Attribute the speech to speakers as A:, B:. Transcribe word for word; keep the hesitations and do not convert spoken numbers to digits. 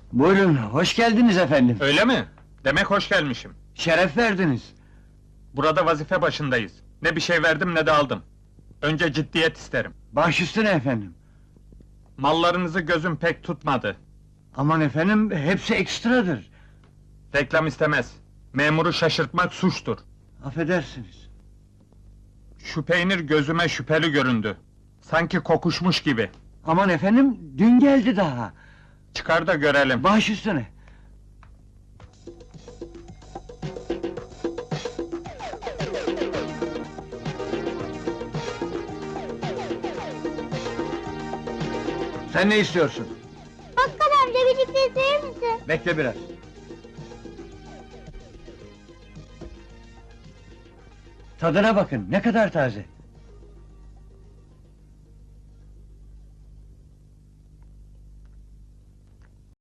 A: Buyurun, hoş geldiniz efendim.
B: Öyle mi? Demek hoş gelmişim.
A: Şeref verdiniz.
B: Burada vazife başındayız. Ne bir şey verdim ne de aldım. Önce ciddiyet isterim.
A: Baş üstüne efendim.
B: Mallarınızı gözüm pek tutmadı.
A: Aman efendim, hepsi ekstradır.
B: Reklam istemez. Memuru şaşırtmak suçtur.
A: Affedersiniz.
B: Şu peynir gözüme şüpheli göründü. Sanki kokuşmuş gibi.
A: Aman efendim, dün geldi daha.
B: Çıkar da görelim.
A: Baş üstüne. Sen ne istiyorsun?
C: Bakkal amca bir çikolata verir misin?
A: Bekle biraz. Tadına bakın, ne kadar taze.